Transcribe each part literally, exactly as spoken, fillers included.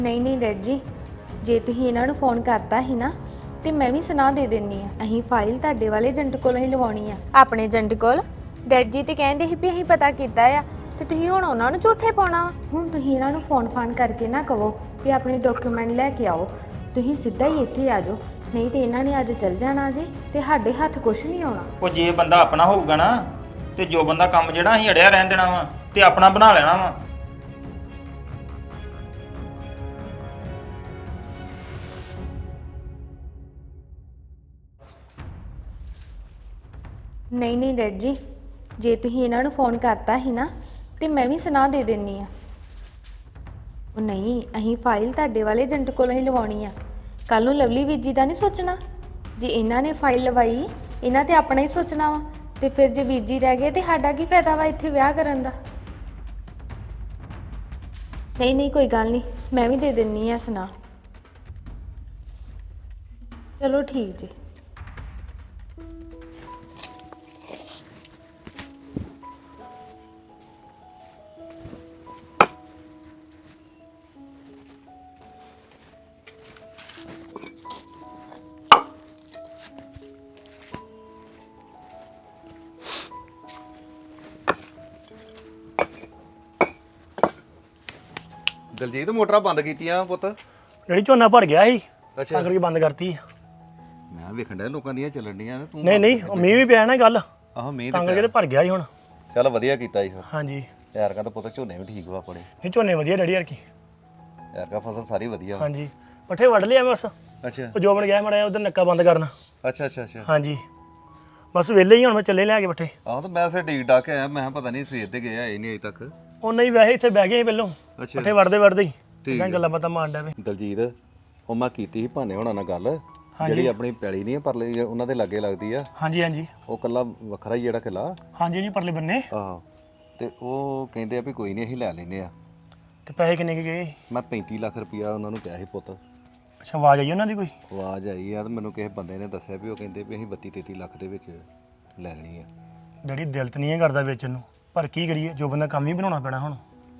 ਨਹੀਂ ਨਹੀਂ ਡੈਡ ਜੀ, ਜੇ ਤੁਸੀਂ ਇਹਨਾਂ ਨੂੰ ਫੋਨ ਕਰਤਾ ਸੀ ਨਾ ਤੇ ਮੈਂ ਵੀ ਸੁਣਾ ਦੇ ਦਿੰਨੀ ਆ। ਅਸੀਂ ਫਾਈਲ ਤੁਹਾਡੇ ਵਾਲੇ ਏਜੰਟ ਕੋਲੋਂ ਹੀ ਲਵਾਉਣੀ ਆ, ਆਪਣੇ ਏਜੰਟ ਕੋਲ। ਡੈਡ ਜੀ ਤੇ ਕਹਿੰਦੇ ਸੀ ਵੀ ਅਸੀਂ ਪਤਾ ਕੀਤਾ ਆ ਤੇ ਤੁਸੀਂ ਹੁਣ ਉਹਨਾਂ ਨੂੰ ਝੂਠੇ ਪਾਉਣਾ। ਹੁਣ ਤੁਸੀਂ ਇਹਨਾਂ ਨੂੰ ਫੋਨ ਫਾਨ ਕਰਕੇ ਨਾ ਕਹੋ ਵੀ ਆਪਣੇ ਡਾਕੂਮੈਂਟ ਲੈ ਕੇ ਆਓ, ਤੁਸੀਂ ਸਿੱਧਾ ਹੀ ਇੱਥੇ ਆ ਜਾਓ, ਨਹੀਂ ਤੇ ਇਹਨਾਂ ਨੇ ਅੱਜ ਚੱਲ ਜਾਣਾ ਜੇ ਤੇ ਸਾਡੇ ਹੱਥ ਕੁਝ ਨਹੀਂ ਆਉਣਾ। ਉਹ ਜੇ ਬੰਦਾ ਆਪਣਾ ਹੋਊਗਾ ਨਾ ਤੇ ਜੋ ਬੰਦਾ ਕੰਮ ਜਿਹੜਾ ਅਸੀਂ ਅੜਿਆ ਰਹਿਣ ਦੇਣਾ ਵਾ ਤੇ ਆਪਣਾ ਬਣਾ ਲੈਣਾ ਵਾ। ਨਹੀਂ ਨਹੀਂ ਡੈਡ ਜੀ, ਜੇ ਤੁਸੀਂ ਇਹਨਾਂ ਨੂੰ ਫੋਨ ਕਰਤਾ ਸੀ ਨਾ ਤੇ ਮੈਂ ਵੀ ਸੁਣਾ ਦੇ ਦਿੰਨੀ ਆ। ਉਹ ਨਹੀਂ, ਅਸੀਂ ਫਾਈਲ ਤੁਹਾਡੇ ਵਾਲੇ ਏਜੰਟ ਕੋਲੋਂ ਹੀ ਲਵਾਉਣੀ ਆ। ਕੱਲ ਨੂੰ ਲਵਲੀ ਵੀਰ ਜੀ ਦਾ ਨਹੀਂ ਸੋਚਣਾ, ਜੇ ਇਹਨਾਂ ਨੇ ਫਾਈਲ ਲਵਾਈ ਇਹਨਾਂ ਤੇ ਆਪਣਾ ਹੀ ਸੋਚਣਾ ਵਾ, ਤੇ ਫਿਰ ਜੇ ਵੀਰ ਜੀ ਰਹਿ ਗਏ ਤੇ ਸਾਡਾ ਕੀ ਫਾਇਦਾ ਵਾ ਇੱਥੇ ਵਿਆਹ ਕਰਨ ਦਾ। ਨਹੀਂ ਨਹੀਂ ਕੋਈ ਗੱਲ ਨਹੀਂ, ਮੈਂ ਵੀ ਦੇ ਦਿੰਨੀ ਆ ਸੁਣਾ। ਚਲੋ ਠੀਕ ਜੀ। ਦਲਜੀਤ ਮੋਟਰਾਂ ਬੰਦ ਕੀਤੀਆਂ ਪੁੱਤ। ਜਿਹੜੀ ਝੋਨਾ ਭਰ ਗਿਆ ਸੀ ਅੱਛਾ ਤਾਂ ਕਰਕੇ ਬੰਦ ਕਰਤੀ। ਮੈਂ ਵੇਖਣ ਡਿਆ ਲੋਕਾਂ ਦੀਆਂ ਚੱਲਣ ਡੀਆਂ ਨੇ ਤੂੰ ਨਹੀਂ ਨਹੀਂ ਉਹ ਮੀਂਹ ਵੀ ਪਿਆ ਨਾ ਗੱਲ, ਆਹੋ ਮੀਂਹ ਤਾਂ ਤੇ ਕਰਕੇ ਤੇ ਭਰ ਗਿਆ ਸੀ ਹੁਣ। ਚੱਲ ਵਧੀਆ ਕੀਤਾ ਜੀ ਫਿਰ। ਹਾਂਜੀ ਯਾਰ ਕਾ ਤਾਂ ਪੁੱਤ ਝੋਨੇ ਵੀ ਠੀਕ ਵਾ ਆਪਣੇ। ਇਹ ਝੋਨੇ ਵਧੀਆ ਡੈਡੀ ਯਾਰ ਕੀ। ਯਾਰ ਕਾ ਫਸਲ ਸਾਰੀ ਵਧੀਆ ਵਾ। ਹਾਂਜੀ ਪੱਠੇ ਵੱਢ ਲਿਆ ਬਸ, ਅੱਛਾ ਉਹ ਜੋਬਨ ਗਿਆ ਮੜਿਆ ਉਧਰ ਨੱਕਾ ਬੰਦ ਕਰਨਾ। ਅੱਛਾ ਅੱਛਾ ਅੱਛਾ ਹਾਂਜੀ ਬਸ ਵਿਹਲੇ ਹੀ ਹੁਣ, ਮੈਂ ਚੱਲੇ ਲਿਆ ਕੇ ਪੱਠੇ। ਆਹੋ ਤਾਂ ਮੈਂ ਫਿਰ ਡੀਕ ਡਾਕ ਕੇ ਆਇਆ, ਮੈਂ ਕਿਹਾ ਪਤਾ ਨਹੀਂ ਸਵੇਰ ਤੇ ਗਏ ਆਏ ਨਹੀਂ ਅਜੇ ਤੱਕ। ਉਹ ਨਹੀਂ ਵੈਸੇ ਇੱਥੇ ਬਹਿ ਗਏ ਸੀ ਪਹਿਲੋਂ, ਅੱਛਾ ਪੱਠੇ ਵੱਢਦੇ ਵੱਢਦੇ ਹੀ ਠੀਕ ਤਾਂ ਗੱਲਾਂ ਬਾਤਾਂ ਮਾਰਨ ਡਿਆ ਵੇ। ਦਲਜੀਤ ਉਹ ਮੈਂ ਕੀਤੀ ਸੀ ਭਾਨੇ ਹੋਣਾ ਨਾਲ ਗੱਲ, ਜਿਹੜੀ ਆਪਣੀ ਪੈਲੀ ਨਹੀਂ ਪਰਲੇ ਉਹਨਾਂ ਦੇ ਲਾਗੇ ਲੱਗਦੀ ਆ। ਹਾਂਜੀ ਹਾਂਜੀ ਉਹ ਕੱਲਾ ਵੱਖਰਾ ਹੀ ਜਿਹੜਾ ਕਿਲਾ। ਹਾਂਜੀ ਜੀ ਪਰਲੇ ਬੰਨੇ। ਆਹੋ ਤੇ ਉਹ ਕਹਿੰਦੇ ਆ ਵੀ ਕੋਈ ਨਹੀਂ ਅਸੀਂ ਲੈ ਲੈਨੇ ਆ। ਤੇ ਪੈਸੇ ਕਿੰਨੇ ਕੁ ਗਏ? ਮੈਂ ਪੈਂਤੀ ਲੱਖ ਰੁਪਇਆ ਉਹਨਾਂ ਨੂੰ ਕਿਹਾ ਸੀ ਪੁੱਤ। ਅੱਛਾ ਆਵਾਜ਼ ਆਈ ਉਹਨਾਂ ਦੀ ਕੋਈ? ਆਵਾਜ਼ ਆਈ ਆ ਤੇ ਮੈਨੂੰ ਕਿਸੇ ਬੰਦੇ ਨੇ ਦੱਸਿਆ ਵੀ ਉਹ ਕਹਿੰਦੇ ਵੀ ਅਸੀਂ ਬੱਤੀ ਤੇਤੀ ਲੱਖ ਦੇ ਵਿੱਚ ਲੈ ਲੈਣੀ ਆ। ਜਿਹੜੀ ਦਿਲ ਤੇ ਨਹੀਂ ਕਰਦਾ ਵੇਚਣ ਨੂੰ, ਪਰ ਕੀ ਕਰੀਏ, ਜੋ ਬੰਦਾ ਕੰਮ ਹੀ ਬਣਾਉਣਾ ਪੈਣਾ ਹੁਣ।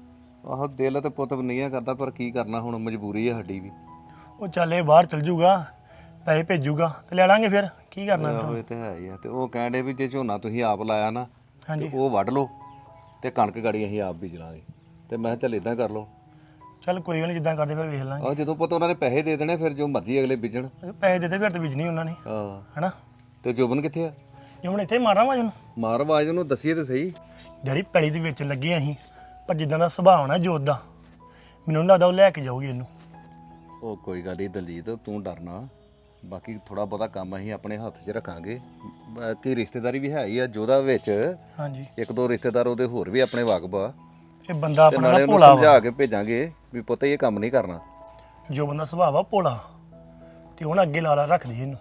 ਆਹੋ ਦਿਲ ਤੇ ਪੁੱਤ ਨਹੀਂ ਕਰਦਾ, ਪਰ ਕੀ ਕਰਨਾ ਹੁਣ, ਮਜਬੂਰੀ ਆ ਸਾਡੀ ਵੀ। ਉਹ ਚੱਲੇ ਬਾਹਰ ਚਲ ਜੂਗਾ, ਪੈਸੇ ਭੇਜੂਗਾ ਤੇ ਲੈ ਲਾਂਗੇ ਫਿਰ, ਕੀ ਕਰਨਾ। ਆਹੋ ਇਹ ਤੇ ਹੈ ਹੀ ਆ। ਤੇ ਉਹ ਕਹਿੰਦੇ ਵੀ ਜੇ ਝੋਨਾ ਤੁਸੀਂ ਆਪ ਲਾਇਆ ਨਾ ਹਾਂਜੀ ਤੇ ਉਹ ਵੱਢ ਲਓ ਤੇ ਕਣਕ ਗਾੜੀ ਅਸੀਂ ਆਪ ਬੀਜ ਲਾਂਗੇ। ਤੇ ਮੈਂ ਕਿਹਾ ਚੱਲ ਇਦਾਂ ਕਰ ਲਓ। ਚੱਲ ਕੋਈ ਗੱਲ ਨਹੀਂ, ਜਿੱਦਾਂ ਕਰਦੇ ਫਿਰ ਵੇਖ ਲਾਂਗੇ। ਆਹ ਜਦੋਂ ਪੁੱਤ ਉਹਨਾਂ ਨੇ ਪੈਸੇ ਦੇ ਦੇਣੇ ਫਿਰ ਜੋ ਮਰਜ਼ੀ ਅਗਲੇ ਬੀਜਣ। ਪੈਸੇ ਦੇ ਦੇ ਫਿਰ ਤੇ ਬੀਜਣੀ ਉਹਨਾਂ ਨੇ, ਆਹ ਹੈਨਾ। ਤੇ ਜੋਬਨ ਕਿੱਥੇ ਆ? ਜੇ ਹੁਣ ਇੱਥੇ ਮਾਰਾਂ ਵਾ ਜਨੂੰ ਮਾਰ ਆਵਾਜ਼ ਉਹਨੂੰ ਦੱਸੀਏ ਤੇ ਸਹੀ। ਜਿਹੜੀ ਪੈਲੀ ਦੇ ਵਿੱਚ ਲੱਗੇ ਅਸੀਂ, ਪਰ ਜਿੱਦਾਂ ਦਾ ਸੁਭਾਅ ਹੋਣਾ ਜੋਤ ਦਾ, ਮੈਨੂੰ ਨੀ ਲੱਗਦਾ ਉਹ ਲੈ ਕੇ ਜਾਊਗੀ ਇਹਨੂੰ। ਉਹ ਕੋਈ ਗੱਲ ਨਹੀਂ ਦਲਜੀਤ, ਤੂੰ ਡਰਨਾ। ਬਾਕੀ ਥੋੜਾ ਬਹੁਤਾ ਕੰਮ ਅਸੀਂ ਆਪਣੇ ਹੱਥ 'ਚ ਰੱਖਾਂਗੇ। ਬਾਕੀ ਰਿਸ਼ਤੇਦਾਰੀ ਵੀ ਹੈ ਹੀ ਆ ਜੋਦਾ ਵਿੱਚ। ਹਾਂਜੀ ਇੱਕ ਦੋ ਰਿਸ਼ਤੇਦਾਰ ਉਹਦੇ ਹੋਰ ਵੀ ਆਪਣੇ ਵਾਕਬ ਆ। ਇਹ ਬੰਦਾ ਤੇ ਆਪਣਾ ਨਾਲੇ ਨਾ ਉਹਨੂੰ ਭੋਲਾ ਵਾ। ਸਮਝਾ ਕੇ ਭੇਜਾਂਗੇ ਵੀ ਪੁੱਤ ਇਹ ਕੰਮ ਨਹੀਂ ਕਰਨਾ। ਜੋ ਬੰਦਾ ਸੁਭਾਅ ਵਾ ਭੋਲਾ, ਤੇ ਹੁਣ ਅੱਗੇ ਲਾ ਲਾ ਰੱਖਦੀ ਇਹਨੂੰ।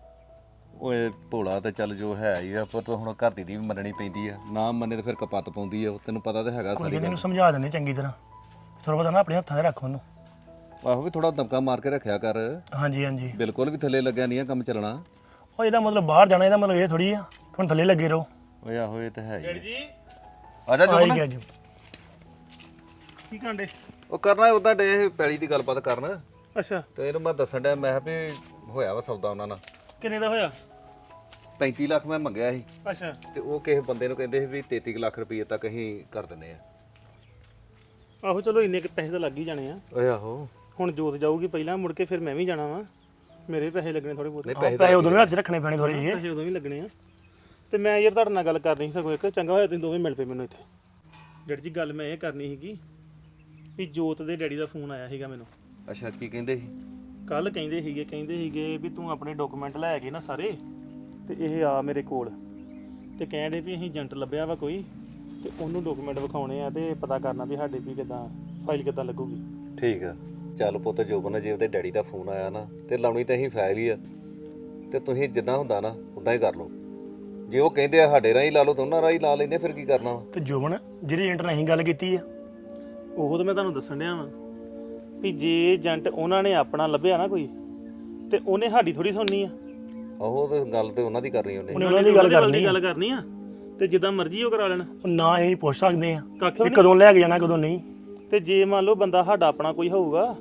ਓਏ ਭੋਲਾ ਤੇ ਚੱਲ ਜੋ ਹੈ ਹੀ ਆ, ਪੁੱਤ ਹੁਣ ਘਰ ਦੀ ਦੀ ਵੀ ਮੰਨਣੀ ਪੈਂਦੀ ਆ। ਨਾ ਮੰਨੇ ਤੇ ਫਿਰ ਕਪੱਤ ਪਾਉਂਦੀ ਆ। ਤੈਨੂੰ ਪਤਾ ਤਾਂ ਹੈਗਾ ਕੋਈ ਸਾਰੀ ਗੱਲ ਗੱਲ। ਇਹਨੂੰ ਸਮਝਾ ਦਿੰਦੇ ਚੰਗੀ ਤਰ੍ਹਾਂ, ਥੋੜਾ ਬਹੁਤਾ ਨਾ ਆਪਣੇ ਹੱਥਾਂ 'ਚ ਰੱਖ ਉਹਨੂੰ। ਆਹੋ ਵੀ ਥੋੜਾ ਦਮਕਾ ਮਾਰ ਕੇ ਰੱਖਿਆ ਕਰ। ਹਾਂਜੀ ਹਾਂਜੀ ਬਿਲਕੁਲ ਵੀ ਥੱਲੇ ਲੱਗਿਆ ਨਹੀਂ ਆ ਕੰਮ ਚੱਲਣਾ। ਉਹ ਇਹਦਾ ਮਤਲਬ ਬਾਹਰ ਜਾਣਾ, ਇਹਦਾ ਮਤਲਬ ਇਹ ਥੋੜੀ ਆ ਹੁਣ ਥੱਲੇ ਲੱਗੇ ਰਹੋ। ਓਏ ਆਹੋ ਇਹ ਤਾਂ ਹੈ ਹੀ ਆ। ਆ ਜਾ ਆਈ ਜੋਬਨ। ਗਿਆ ਜੀ ਕੀ ਕਾਂਡੇ? ਉਹ ਕਰਨਾ ਉਦਾਂ ਡੇ ਪੈਲੀ ਦੀ ਗੱਲਬਾਤ ਕਰਨ। ਅੱਛਾ ਤੇ ਇਹਨੂੰ ਮੈਂ ਦੱਸਣ ਡਿਆ, ਮੈਂ ਕਿਹਾ ਵੀ ਹੋਇਆ ਵਾ ਸੌਦਾ ਉਹਨਾਂ ਨਾਲ। ਕਿੰਨੇ ਦਾ ਹੋਇਆ? ਪੈਂਤੀ ਲੱਖ ਮੈਂ ਮੰਗਿਆ ਸੀ ਅੱਛਾ ਤੇ ਉਹ ਕਿਸੇ ਬੰਦੇ ਨੂੰ ਕਹਿੰਦੇ ਸੀ ਵੀ ਤੇਤੀ ਲੱਖ ਰੁਪਏ ਤੱਕ ਅਸੀਂ ਕਰ ਦਿੰਦੇ ਆ। ਆਹੋ ਚਲੋ ਇੰਨੇ ਕੁ ਪੈਸੇ ਤਾਂ ਲੱਗ ਹੀ ਜਾਣੇ ਆ। ਓਏ ਆਹੋ ਹੁਣ ਜੋਤ ਜਾਊਗੀ ਪਹਿਲਾਂ, ਮੁੜ ਕੇ ਫਿਰ ਮੈਂ ਵੀ ਜਾਣਾ ਵਾ। ਮੇਰੇ ਪੈਸੇ ਲੱਗਣੇ ਥੋੜੇ ਬਹੁਤੇ। ਨਹੀਂ ਪੈਸੇ ਪੈਸੇ ਉਦੋਂ ਵੀ ਹੱਥ 'ਚ ਰੱਖਣੇ ਪੈਣੇ ਥੋੜੇ ਜਿਹੇ। ਪੈਸੇ ਉਦੋਂ ਵੀ ਲੱਗਣੇ ਆ। ਤੇ ਮੈਂ ਯਾਰ ਤੁਹਾਡੇ ਨਾਲ ਗੱਲ ਕਰਨੀ ਸੀ ਸਗੋਂ ਇੱਕ। ਚੰਗਾ ਹੋਇਆ ਤੁਸੀਂ ਦੋਵੇਂ ਮਿਲ ਪਏ ਮੈਨੂੰ ਇੱਥੇ। ਡੈਡੀ ਜੀ ਗੱਲ ਮੈਂ ਇਹ ਕਰਨੀ ਸੀਗੀ ਵੀ ਜੋਤ ਦੇ ਡੈਡੀ ਦਾ ਫੋਨ ਆਇਆ ਸੀਗਾ ਮੈਨੂੰ। ਅੱਛਾ ਕੀ ਕਹਿੰਦੇ ਸੀ? ਕੱਲ ਕਹਿੰਦੇ ਸੀਗੇ ਕਹਿੰਦੇ ਸੀਗੇ ਵੀ ਤੂੰ ਆਪਣੇ ਡਾਕੂਮੈਂਟ ਲੈ ਕੇ ਨਾ ਸਾਰੇ, ਤੇ ਇਹ ਆ ਮੇਰੇ ਕੋਲ, ਤੇ ਕਹਿੰਦੇ ਵੀ ਅਸੀਂ ਏਜੰਟ ਲੱਭਿਆ ਵਾ ਕੋਈ, ਤੇ ਉਹਨੂੰ ਡਾਕੂਮੈਂਟ ਵਿਖਾਉਣੇ ਆ ਤੇ ਪਤਾ ਕਰਨਾ ਵੀ ਸਾਡੇ ਵੀ ਕਿੱਦਾਂ ਫਾਈਲ ਕਿੱਦਾਂ ਲੱਗੂਗੀ। ਠੀਕ ਆ ਚੱਲ ਪੁੱਤ ਜੋਬਨ, ਜੇ ਉਹਦੇ ਡੈਡੀ ਦਾ ਫੋਨ ਆਇਆ ਨਾ ਤੇ ਲਾਉਣੀ ਤਾਂ ਅਸੀਂ ਫਾਈਲ ਹੀ ਆ। ਤੇ ਤੁਸੀਂ ਜਿੱਦਾਂ ਹੁੰਦਾ ਨਾ ਉਦਾਂ ਹੀ ਕਰ ਲਓ। ਜੇ ਉਹ ਕਹਿੰਦੇ ਆ ਸਾਡੇ ਰਾਹੀਂ ਲਾ ਲਓ ਤਾਂ ਉਹਨਾਂ ਰਾਹੀਂ ਲਾ ਲੈਂਦੇ, ਫਿਰ ਕੀ ਕਰਨਾ ਵਾ? ਤੇ ਜੋਬਨ ਜਿਹੜੀ ਏਜੰਟ ਨਾਲ ਅਸੀਂ ਗੱਲ ਕੀਤੀ ਆ, ਉਹ ਤਾਂ ਮੈਂ ਤੁਹਾਨੂੰ ਦੱਸਣ ਡਿਆ ਵਾਂ ਵੀ ਜੇ ਏਜੰਟ ਉਹਨਾਂ ਨੇ ਆਪਣਾ ਲੱਭਿਆ ਨਾ ਕੋਈ, ਤੇ ਉਹਨੇ ਸਾਡੀ ਥੋੜੀ ਸੁਣਨੀ ਆ। ਉਹ ਤਾਂ ਗੱਲ ਤੇ ਉਹਨਾਂ ਦੀ ਕਰਨੀ ਉਹਨੇ। ਉਹਨੇ ਉਹਨਾਂ ਦੀ ਗੱਲ ਕਰਨੀ ਗੱਲ ਕਰਨੀ ਆ, ਤੇ ਜਿੱਦਾਂ ਮਰਜ਼ੀ ਉਹ ਕਰਾ ਲੈਣ। ਉਹ ਨਾ ਅਸੀਂ ਪੁੱਛ ਸਕਦੇ ਆ ਕੱਖ ਵੀ ਵੀ ਕਦੋਂ ਲੈ ਕੇ ਜਾਣਾ ਕਦੋਂ ਨਹੀਂ। ਤੇ ਜੇ ਮੰਨ ਲਓ ਬੰਦਾ ਸਾਡਾ ਆਪਣਾ ਕੋਈ ਹੋਊਗਾ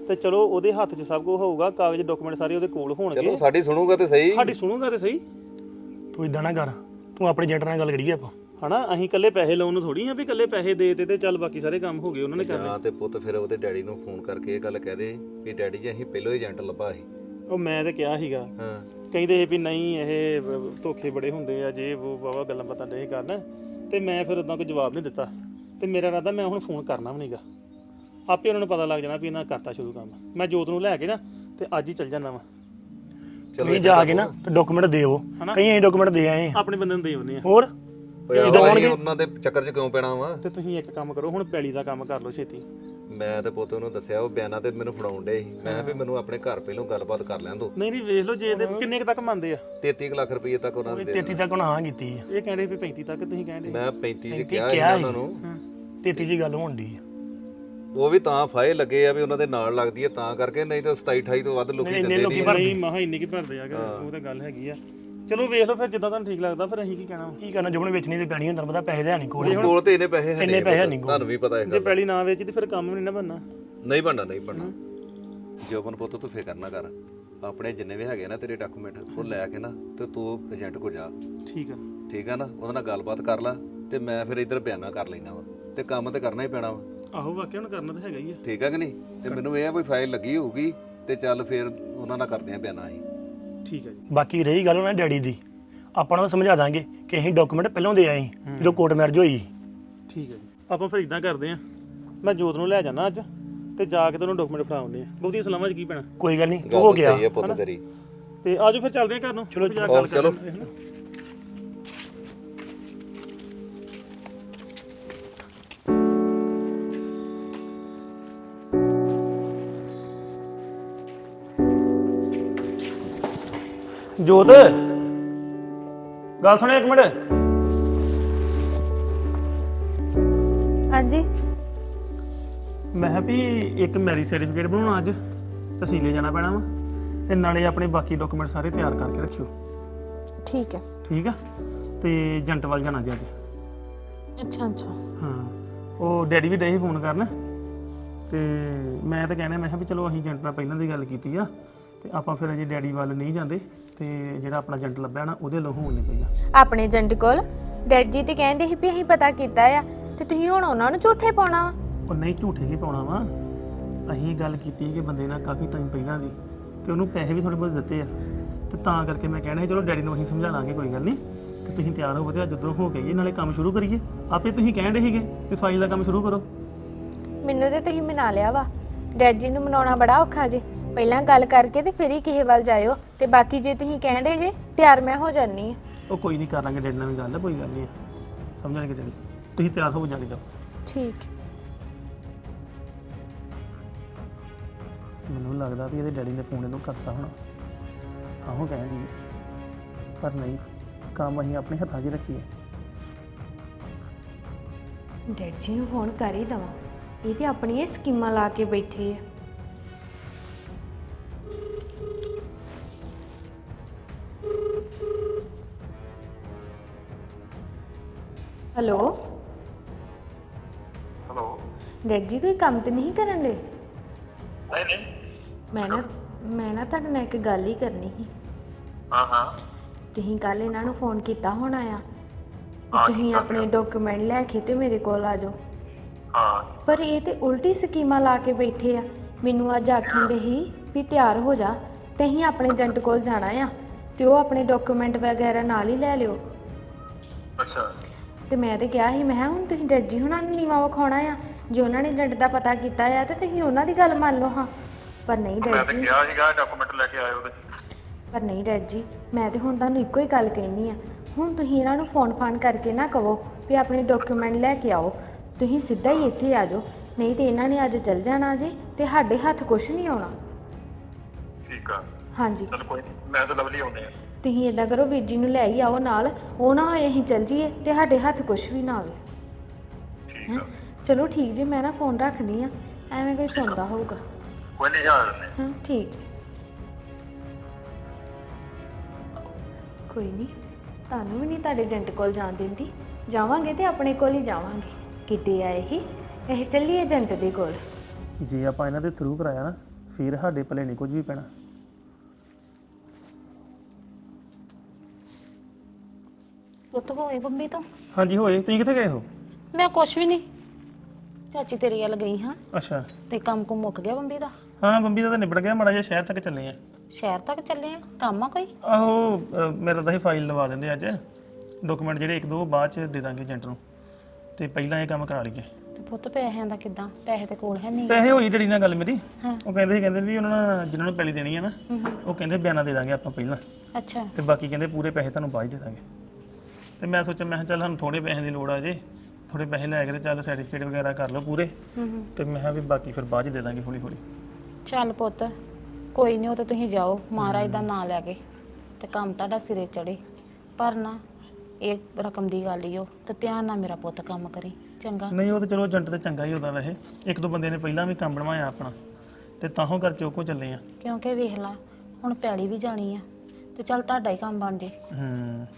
ਤੇ ਚਲੋ ਉਹਦੇ ਹੱਥ 'ਚ ਸਭ ਕੁਝ ਹੋਊਗਾ, ਕਾਗਜ਼ ਡਾਕੂਮੈਂਟ ਸਾਰੇ ਉਹਦੇ ਕੋਲ ਚਲੋ ਹੋਣਗੇ। ਸਾਡੀ ਸੁਣੂਗਾ ਤੇ ਸਹੀ। ਸਾਡੀ ਸੁਣੂਗਾ ਤੇ ਸਹੀ ਤੂੰ ਇਦਾਂ ਨਾ ਕਰ, ਤੂੰ ਆਪਣੇ ਏਜੰਟ ਨਾਲ ਗੱਲ ਕਰੀਏ ਆਪਾਂ। ਹਨਾ, ਅਸੀਂ ਇਕੱਲੇ ਪੈਸੇ ਲਾਉਣ ਨੂੰ ਥੋੜੀ ਆ ਵੀ ਇਕੱਲੇ ਪੈਸੇ ਦੇ ਤੇ ਤੇ ਚੱਲ ਬਾਕੀ ਸਾਰੇ ਕੰਮ ਹੋ ਗਏ ਉਹਨਾਂ ਨੇ ਕਰ ਲਏ। ਜਾਂ ਤੇ ਪੁੱਤ ਫਿਰ ਉਹਦੇ ਡੈਡੀ ਨੂੰ ਫੋਨ ਕਰਕੇ ਇਹ ਗੱਲ ਕਹਿ ਦੇ ਵੀ ਡੈਡੀ ਜੀ ਅਸੀਂ ਪਹਿਲੋਂ ਏਜੰਟ ਲੱਭਾ ਸੀ। ਉਹ ਮੈਂ ਤੇ ਕਿਹਾ ਸੀਗਾ, ਹਾਂ ਕਹਿੰਦੇ ਵੀ ਨਹੀਂ ਇਹ ਵ- ਧੋਖੇ ਬੜੇ ਹੁੰਦੇ ਆ, ਜੇ ਉਹ ਵਾਵਾ ਗੱਲਾਂ ਬਾਤਾਂ ਨਹੀਂ ਕਰਨ, ਤੇ ਮੈਂ ਫਿਰ ਉਦਾਂ ਕੋਈ ਜਵਾਬ ਨਹੀਂ ਦਿੱਤਾ। ਤੇ ਮੇਰਾ ਇਰਾਦਾ ਮੈਂ ਹੁਣ ਫੋਨ ਕਰਨਾ ਵੀ ਨਹੀਂਗਾ, ਆਪੇ ਉਹਨਾਂ ਨੂੰ ਪਤਾ ਲੱਗ ਜਾਣਾ ਵੀ ਇਹਨਾਂ ਕਰਤਾ ਸ਼ੁਰੂ ਕੰਮ। ਮੈਂ ਜੋਤ ਨੂੰ ਲੈ ਕੇ ਨਾ ਤੇ ਅੱਜ ਹੀ ਚੱਲ ਜਾਣਾ ਵਾ। ਤੁਸੀਂ ਜਾ ਕੇ ਨਾ ਤੇ ਡਾਕੂਮੈਂਟ ਦੇਵੋ, ਕਈ ਅਸੀਂ ਡਾਕੂਮੈਂਟ ਦੇ ਆਏ ਆ। ਆਪਣੇ ਬੰਦੇ ਨੂੰ ਦੇ ਆਉਂਦੇ ਆ। ਹੋਰ ਓਏ ਆਹੋ, ਅਸੀਂ ਉਹਨਾਂ ਦੇ ਚੱਕਰ 'ਚ ਕਿਉਂ ਪੈਣਾ ਵਾ? ਤੇ ਤੁਸੀਂ ਇੱਕ ਕੰਮ ਕਰੋ, ਹੁਣ ਪੈਲੀ ਦਾ ਕੰਮ ਕਰ ਲਓ ਛੇਤੀ। ਮੈਂ ਤੇ ਪੁੱਤ ਉਹਨੂੰ ਦੱਸਿਆ, ਉਹ ਬਿਆਨਾ ਤੇ ਮੈਨੂੰ ਫੜਾਉਣ ਡੇ ਸੀ। ਮੈਂ ਕਿਹਾ ਵੀ ਮੈਨੂੰ ਆਪਣੇ ਘਰ ਪਹਿਲੋਂ ਗੱਲਬਾਤ ਕਰ ਲੈਣ ਦੋ। ਨਹੀਂ ਨਹੀਂ ਵੇਖ ਲਓ, ਜੇ ਇਹਦੇ ਕਿੰਨੇ ਕੁ ਤੱਕ ਮੰਨਦੇ ਆ। ਤੇਤੀ ਕੁ ਲੱਖ ਰੁਪਏ ਤੱਕ ਉਹਨਾਂ ਨੇ ਦੇ ਤੇਤੀ ਤੱਕ ਉਹਨਾਂ ਹਾਂ ਕੀਤੀ ਆ। ਇਹ ਕਹਿੰਦੇ ਵੀ ਪੈਂਤੀ ਤੱਕ, ਤੁਸੀਂ ਕਹਿੰਦੇ ਮੈਂ ਪੈਂਤੀ 'ਚ ਪੈਂਤੀ ਕਿਹਾ ਸੀ ਕਿਹਾ ਉਹਨਾਂ ਨੂੰ। ਤੇਤੀ ਦੀ ਗੱਲ ਹੋਣ ਦੀ ਆ। ਉਹ ਵੀ ਤਾਂ ਫਾਇਲ ਲੱਗੇ ਆ ਵੀ ਉਹਨਾਂ ਦੇ ਨਾਲ ਲੱਗਦੀ ਹੈ ਤਾਂ ਕਰਕੇ, ਨਹੀਂ ਤਾਂ ਸਤਾਈ ਅਠਾਈ ਤੋਂ ਵੱਧ ਲੋਕੀ ਦਿੰਦੇ ਨਹੀਂ। ਨਹੀਂ ਮਹਾ ਇੰਨੇ ਕੀ ਭਰਦੇ ਆ, ਉਹ ਤਾਂ ਗੱਲ ਹੈਗੀ ਆ। ਚਲੋ ਵੇਖ ਲਓ ਫਿਰ, ਜਿੱਦਾਂ ਤੁਹਾਨੂੰ ਠੀਕ ਲੱਗਦਾ। ਫਿਰ ਅਸੀਂ ਕੀ ਕਹਿਣਾ, ਕੀ ਕਰਨਾ, ਜੁਬਨ ਵੇਚਣੀ ਤੇ ਪੈਣੀ ਹੁੰਦਾ, ਪਤਾ ਪੈਸੇ ਹੈ ਨਹੀਂ ਕੋਲ। ਕੋਲ ਤੇ ਇੰਨੇ ਪੈਸੇ ਹੈ ਇੰਨੇ ਪੈਸੇ ਨਹੀਂ ਕੋਲ। ਤੁਹਾਨੂੰ ਵੀ ਪਤਾ ਹੈ ਜੇ ਪੈਲੀ ਨਾ ਵੇਚੀ ਤੇ ਫਿਰ ਕੰਮ ਵੀ ਨਹੀਂ ਨਾ ਬਣਨਾ। ਨਹੀਂ ਬਣਨਾ, ਨਹੀਂ ਬਣਨਾ। ਜੋਬਨ ਪੁੱਤ ਤੂੰ ਫਿਕਰ ਨਾ ਕਰ, ਆਪਣੇ ਜਿੰਨੇ ਵੀ ਹੈਗੇ ਨਾ ਤੇਰੇ ਡਾਕੂਮੈਂਟ ਉਹ ਲੈ ਕੇ ਨਾ ਤੇ ਤੂੰ ਏਜੰਟ ਕੋ ਜਾ। ਠੀਕ ਆ ਠੀਕ ਆ ਨਾ, ਉਹਦੇ ਨਾਲ ਗੱਲਬਾਤ ਕਰ ਲੈ ਤੇ ਮੈਂ ਫਿਰ ਇੱਧਰ ਬਿਆਨਾ ਕਰ ਲੈਣਾ ਵਾ, ਤੇ ਕੰਮ ਤੇ ਕਰਨਾ ਹੀ ਪੈਣਾ ਵਾ। ਆਹੋ ਵਾਕਿਆ ਹੁਣ ਕਰਨਾ ਤਾਂ ਹੈਗਾ ਹੀ ਆ। ਠੀਕ ਆ ਕਿ ਨਹੀਂ? ਤੇ ਮੈਨੂੰ ਇਹ ਆ ਕੋਈ ਫਾਈਲ ਲੱਗੀ ਹੋਊਗੀ ਤੇ ਚੱਲ ਫਿਰ ਉਹਨਾਂ ਨਾਲ ਕਰਦੇ ਆ ਬਿਆਨਾ ਅਸੀਂ। ਠੀਕ ਆ ਜੀ। ਬਾਕੀ ਰਹੀ ਗੱਲ ਉਹਨਾਂ ਡੈਡੀ ਦੀ, ਆਪਾਂ ਨੂੰ ਸਮਝਾ ਦਾਂਗੇ ਕਿ ਅਸੀਂ ਡਾਕੂਮੈਂਟ ਪਹਿਲਾਂ ਦੇ ਆਏ ਜਦੋਂ ਕੋਰਟ ਮੈਰਿਜ ਹੋਈ। ਠੀਕ ਹੈ ਜੀ, ਆਪਾਂ ਫਿਰ ਇਦਾਂ ਕਰਦੇ ਆ, ਮੈਂ ਜੋਤ ਨੂੰ ਲੈ ਜਾਣਾ ਅੱਜ ਤੇ ਜਾ ਕੇ ਤੇ ਉਹਨੂੰ ਡਾਕੂਮੈਂਟ ਫੜਾਉਂਦੇ ਆ। ਬਹੁਤੀ ਸਲਾਮਾਂ 'ਚ ਕੀ ਪੈਣਾ। ਕੋਈ ਗੱਲ ਨਹੀਂ, ਗੱਲ ਹੋ ਤਾਂ ਗਿਆ। ਸਹੀ ਆ ਪੁੱਤ ਤੇਰੀ। ਤੇ ਆਜੋ ਫਿਰ ਚੱਲਦੇ ਆ ਘਰ ਨੂੰ। ਚਲੋ ਜਾ ਆਹੋ, ਚਲੋ। ਕਰਦੇ ਆ, ਹਨਾ। ਜੋਤ ਗੱਲ ਸੁਣਿਓ ਇੱਕ ਮਿੰਟ। ਹਾਂਜੀ ਮੈਂ ਕਿਹਾ ਵੀ ਇੱਕ ਮੈਰਿਜ ਸਰਟੀਫਿਕੇਟ ਬਣਾਉਣਾ ਅੱਜ, ਤਹਿਸੀਲੇ ਜਾਣਾ ਪੈਣਾ ਵਾ, ਤੇ ਨਾਲੇ ਆਪਣੇ ਬਾਕੀ ਡਾਕੂਮੈਂਟ ਸਾਰੇ ਤਿਆਰ ਕਰਕੇ ਰੱਖਿਓ। ਠੀਕ ਹੈ। ਠੀਕ ਆ, ਤੇ ਏਜੰਟ ਵੱਲ ਜਾਣਾ ਜੀ ਅੱਜ। ਅੱਛਾ ਅੱਛਾ ਹਾਂ, ਉਹ ਡੈਡੀ ਵੀ ਡੇ ਸੀ ਫੋਨ ਕਰਨ, ਤੇ ਮੈਂ ਤਾਂ ਕਹਿਣਾ, ਮੈਂ ਕਿਹਾ ਵੀ ਚਲੋ ਅਸੀਂ ਏਜੰਟ ਨਾਲ ਪਹਿਲਾਂ ਦੀ ਗੱਲ ਕੀਤੀ ਆ, ਤੇ ਆਪਾਂ ਫਿਰ ਅਜੇ ਡੈਡੀ ਵੱਲ ਨਹੀਂ ਜਾਂਦੇ, ਤੇ ਜਿਹੜਾ ਆਪਣਾ ਏਜੰਟ ਲੱਭਿਆ ਨਾ ਉਹਦੇ ਲੋ ਹੋਣ ਨਹੀਂ ਪਈਆ। ਆਪਣੇ ਏਜੰਟ ਕੋਲ ਡੈਡ ਜੀ ਤੇ ਕਹਿੰਦੇ ਸੀ ਵੀ ਅਸੀਂ ਪਤਾ ਕੀਤਾ ਆ, ਤੇ ਤੁਸੀਂ ਹੁਣ ਉਹਨਾਂ ਨੂੰ ਝੂਠੇ ਪਾਉਣਾ ਵਾ। ਉਹ ਨਹੀਂ ਝੂਠੇ ਕੀ ਪਾਉਣਾ ਵਾ, ਅਸੀਂ ਗੱਲ ਕੀਤੀ ਕਿ ਬੰਦੇ ਨਾਲ ਕਾਫੀ ਟਾਈਮ ਪਹਿਲਾਂ ਦੀ, ਤੇ ਉਹਨੂੰ ਪੈਸੇ ਵੀ ਥੋੜੇ ਬਹੁਤ ਦਿੱਤੇ ਆ, ਤੇ ਤਾਂ ਕਰਕੇ ਮੈਂ ਕਹਿਣਾ ਸੀ ਚਲੋ ਡੈਡੀ ਨੂੰ ਅਸੀਂ ਸਮਝਾ ਲਾਂਗੇ, ਕੋਈ ਗੱਲ ਨਹੀਂ, ਤੇ ਤੁਸੀਂ ਤਿਆਰ ਹੋਵੋ ਤੇ ਅੱਜ ਜਦੋਂ ਹੋ ਗਏ ਨਾਲੇ ਕੰਮ ਸ਼ੁਰੂ ਕਰੀਏ। ਆਪੇ ਤੁਸੀਂ ਕਹਿਣ ਦੇ ਸੀਗੇ ਵੀ ਫਾਈਲ ਦਾ ਕੰਮ ਸ਼ੁਰੂ ਕਰੋ। ਮੈਨੂੰ ਤੇ ਤੁਸੀਂ ਮਨਾ ਲਿਆ ਵਾ, ਡੈਡ ਜੀ ਨੂੰ ਮਨਾਉਣਾ ਬੜਾ ਔਖਾ ਜੇ। ਪਹਿਲਾਂ ਗੱਲ ਕਰਕੇ ਤੇ ਫਿਰ ਹੀ ਕਿਸੇ ਵੱਲ ਜਾਇਓ, ਤੇ ਬਾਕੀ ਜੇ ਤੁਸੀਂ ਕਹਿੰਦੇ ਜੇ ਤਿਆਰ ਮੈਂ ਹੋ ਜਾਨੀ ਆ। ਉਹ ਕੋਈ ਨਹੀਂ, ਕਰਾਂਗੇ ਡੈਡੀ ਨਾਲ ਵੀ ਗੱਲ, ਕੋਈ ਗੱਲ ਨਹੀਂ, ਸਮਝਣਗੇ ਡੈਡੀ। ਤੁਸੀਂ ਤਿਆਰ ਹੋ ਜਾ ਕੇ ਜਾਓ। ਠੀਕ। ਮੈਨੂੰ ਲੱਗਦਾ ਵੀ ਇਹਦੇ ਡੈਡੀ ਨੇ ਫੋਨ ਇਹਨੂੰ ਕਰਤਾ ਹੋਣਾ, ਤਾਂ ਉਹ ਕਹਿਣਗੇ, ਪਰ ਨਹੀਂ, ਕੰਮ ਅਸੀਂ ਆਪਣੇ ਹੱਥਾਂ 'ਚ ਹੀ ਰੱਖੀਏ। ਡੈਡ ਜੀ ਨੂੰ ਫੋਨ ਕਰ ਹੀ ਦਵਾਂ, ਇਹ ਤੇ ਆਪਣੀਆਂ ਸਕੀਮਾਂ ਲਾ ਕੇ ਬੈਠੇ ਆ। Hello hello. ਡੈਡ ਜੀ ਕੋਈ ਕੰਮ ਤੇ ਨਹੀਂ ਕਰਨ ਦੇ? ਨਹੀਂ ਨਹੀਂ। ਮੈਂ ਨਾ ਮੈਂ ਨਾ ਤੁਹਾਡੇ ਨਾਲ ਇੱਕ ਗੱਲ ਹੀ ਕਰਨੀ ਸੀ। ਹਾਂ ਹਾਂ। ਤੁਸੀਂ ਕੱਲ ਇਹਨਾਂ ਨੂੰ ਫੋਨ ਕੀਤਾ ਹੋਣਾ ਆ, ਤੇ ਤੁਸੀਂ ਆਪਣੇ ਡਾਕੂਮੈਂਟ ਲੈ ਕੇ ਤੇ ਮੇਰੇ ਕੋਲ ਆ ਜਾਓ। ਹਾਂ। ਪਰ ਇਹ ਤੇ ਉਲਟੀ ਸਕੀਮਾਂ ਲਾ ਕੇ ਬੈਠੇ ਆ। ਮੈਨੂੰ ਅੱਜ ਆਖਣ ਦੇ ਹੀ ਵੀ ਤਿਆਰ ਹੋ ਜਾ, ਤੇ ਅਸੀਂ ਆਪਣੇ ਏਜੰਟ ਕੋਲ ਜਾਣਾ ਆ, ਤੇ ਉਹ ਆਪਣੇ ਡਾਕੂਮੈਂਟ ਵਗੈਰਾ ਨਾਲ ਹੀ ਲੈ ਲਿਓ। ਅੱਛਾ। ਤੇ ਮੈਂ ਤੇ ਕਿਹਾ ਸੀ, ਮੈਂ ਕਿਹਾ ਹੁਣ ਤੁਸੀਂ ਡੈਡ ਜੀ ਹੁਣਾਂ ਨੂੰ ਨੀਵਾਂ ਵਿਖਾਉਣਾ ਆ, ਜੇ ਉਹਨਾਂ ਨੇ ਏਜੰਟ ਦਾ ਪਤਾ ਕੀਤਾ ਆ ਤੇ ਤੁਸੀਂ ਉਹਨਾਂ ਦੀ ਗੱਲ ਮੰਨ ਲਓ। ਹਾਂ ਪਰ ਨਹੀਂ ਮੈਂ ਡੈਡ ਤਾਂ ਜੀ, ਕਿਹਾ ਸੀਗਾ ਡਾਕੂਮੈਂਟ ਲੈ ਕੇ ਆਇਓ ਤੇ। ਪਰ ਨਹੀਂ ਡੈਡ ਜੀ, ਮੈਂ ਤੇ ਹੁਣ ਤੁਹਾਨੂੰ ਇੱਕੋ ਹੀ ਗੱਲ ਕਹਿਣੀ ਆ, ਹੁਣ ਤੁਸੀਂ ਇਹਨਾਂ ਨੂੰ ਫੋਨ ਫਾਨ ਕਰਕੇ ਨਾ ਕਹੋ ਵੀ ਆਪਣੇ ਡਾਕੂਮੈਂਟ ਲੈ ਕੇ ਆਓ, ਤੁਸੀਂ ਸਿੱਧਾ ਹੀ ਇੱਥੇ ਆ ਜਾਓ, ਨਹੀਂ ਤੇ ਇਹਨਾਂ ਨੇ ਅੱਜ ਚੱਲ ਜਾਣਾ ਜੀ, ਤੇ ਸਾਡੇ ਹੱਥ ਕੁਝ ਨਹੀਂ ਆਉਣਾ। ਠੀਕ ਆ। ਹਾਂਜੀ ਚਲ ਕੋਈ ਨਹੀਂ, ਮੈਂ ਤਾਂ ਲਵਲੀ ਆਉਂਦੇ ਆ। ਤੁਸੀਂ ਇਦਾਂ ਕਰੋ, ਵੀਰ ਜੀ ਨੂੰ ਲੈ ਹੀ ਆਓ ਨਾਲ, ਉਹ ਨਾ ਹੋਏ ਅਸੀਂ ਚੱਲ ਜੀਏ ਤੇ ਸਾਡੇ ਹੱਥ ਕੁਝ ਵੀ ਨਾ ਆਵੇ। ਠੀਕ ਆ। ਚਲੋ ਠੀਕ ਜੀ, ਮੈਂ ਨਾ ਫੋਨ ਰੱਖਦੀ ਆ, ਐਵੇਂ ਕੋਈ ਸੁਣਦਾ ਹੋਊਗਾ। ਕੋਈ ਨਹੀਂ, ਜਾ ਰਹੇ ਹਾਂ ਠੀਕ ਜੀ। ਕੋਈ ਨਹੀਂ, ਤੁਹਾਨੂੰ ਵੀ ਨਹੀਂ ਤੁਹਾਡੇ ਏਜੰਟ ਕੋਲ ਜਾਣ ਦਿੰਦੀ, ਜਾਵਾਂਗੇ ਤੇ ਆਪਣੇ ਕੋਲ ਹੀ ਜਾਵਾਂਗੇ। ਕਿੱਡੇ ਆਏ ਹੀ ਇਹ ਚੱਲੀਏ ਏਜੰਟ ਦੇ ਕੋਲ। ਜੇ ਆਪਾਂ ਇਹਨਾਂ ਦੇ ਥਰੂ ਕਰਾਇਆ ਨਾ ਫਿਰ ਸਾਡੇ ਭਲੇ ਨਹੀਂ ਕੁਝ ਵੀ ਪੈਣਾ। ਪੁੱਤ ਹੋਏ ਬੰਬੀ ਤੋਂ? ਹਾਂਜੀ ਹੋਏ। ਤੁਸੀਂ ਕਿੱਥੇ ਗਏ ਹੋ? ਮੈਂ ਕੁਛ ਵੀ ਨਹੀਂ, ਚਾਚੀ ਤੇਰੀ ਵੱਲ ਗਈ ਹਾਂ। ਅੱਛਾ। ਤੇ ਕੰਮ ਕੁ ਮੁੱਕ ਗਿਆ ਬੰਬੀ ਦਾ? ਹਾਂ ਬੰਬੀ ਦਾ ਤਾਂ ਨਿਬੜ ਗਿਆ, ਮਾੜਾ ਜਿਹਾ ਸ਼ਹਿਰ ਤੱਕ ਚੱਲੇ ਆ। ਸ਼ਹਿਰ ਤੱਕ ਚੱਲੇ ਆ? ਕੰਮ ਆ ਕੋਈ? ਆਹੋ ਅ, ਮੇਰਾ ਤਾਂ ਇਹ ਫਾਈਲ ਲਵਾ ਦਿੰਦੇ ਅੱਜ, ਡਾਕੂਮੈਂਟ ਜਿਹੜੇ ਇੱਕ ਦੋ ਬਾਅਦ ਚ ਦੇ ਦਾਂਗੇ ਏਜੰਟ ਨੂੰ, ਤੇ ਪਹਿਲਾਂ ਇਹ ਕੰਮ ਕਰਾ ਲਈਏ। ਤੇ ਪੁੱਤ ਪੈਸਿਆਂ ਦਾ ਕਿੱਦਾਂ? ਪੈਸੇ ਤੇ ਕੋਲ ਹੈ ਨਹੀਂ। ਪੈਸੇ ਹੋਈ ਡੈਡੀ ਨਾਲ ਗੱਲ ਮੇਰੀ, ਹਾਂ। ਉਹ ਕਹਿੰਦੇ ਸੀ ਕਹਿੰਦੇ ਵੀ ਉਹਨਾਂ ਨਾਲ ਜਿਹਨਾਂ ਨੂੰ ਪੈਲੀ ਦੇਣੀ ਹੈ ਨਾ, ਉਹ ਕਹਿੰਦੇ ਬਿਆਨਾ ਦੇ ਦਾਂਗੇ ਆਪਾਂ ਪਹਿਲਾਂ, ਅੱਛਾ। ਤੇ ਬਾਕੀ ਕਹਿੰਦੇ ਪੂਰੇ ਪੈਸੇ ਤੁਹਾਨੂੰ ਬਾਅਦ 'ਚ ਦੇ ਦਾਂਗੇ। ਤੇ ਮੈਂ ਸੋਚਿਆ ਮੈਂ ਕਿਹਾ ਚੱਲ ਸਾਨੂੰ ਥੋੜੇ ਪੈਸੇ ਦੀ ਲੋੜ ਆ ਜੇ, ਥੋੜੇ ਪੈਸੇ ਲੈ ਕੇ ਤੇ ਚੱਲ ਸਰਟੀਫਿਕੇਟ ਵਗੈਰਾ ਕਰ ਲਓ ਪੂਰੇ, ਤੇ ਮੈਂ ਕਿਹਾ ਵੀ ਬਾਕੀ ਫਿਰ ਬਾਅਦ 'ਚ ਦੇ ਦਾਂਗੇ ਹੌਲੀ ਹੌਲੀ। ਚੱਲ ਪੁੱਤ ਕੋਈ ਨਹੀਂ, ਉਹ ਤਾਂ ਤੁਸੀਂ ਜਾਓ ਮਹਾਰਾਜ ਦਾ ਨਾਂ ਲੈ ਕੇ, ਤੇ ਕੰਮ ਤੁਹਾਡਾ ਸਿਰੇ ਚੜੇ। ਪਰ ਨਾ ਇਹ ਰਕਮ ਦੀ ਗੱਲ ਹੀ ਉਹ, ਤੇ ਧਿਆਨ ਨਾਲ ਮੇਰਾ ਪੁੱਤ ਕੰਮ ਕਰੀ ਚੰਗਾ। ਨਹੀਂ ਉਹ ਤਾਂ ਚਲੋ ਏਜੰਟ ਤੇ ਚੰਗਾ ਹੀ ਹੁੰਦਾ ਵੈਸੇ, ਇੱਕ ਦੋ ਬੰਦੇ ਨੇ ਪਹਿਲਾਂ ਵੀ ਕੰਮ ਬਣਵਾਇਆ ਆਪਣਾ, ਤੇ ਤਾਂਹੋਂ ਕਰਕੇ ਉਹ ਕੋ ਚੱਲੇ ਆ। ਕਿਉਂਕਿ ਵੇਖ ਲਾ ਹੁਣ ਪੈਲੀ ਵੀ ਜਾਣੀ ਆ, ਤੇ ਚੱਲ ਤੁਹਾਡਾ ਹੀ ਕੰਮ ਬਣ ਜੇ। ਹੂੰ।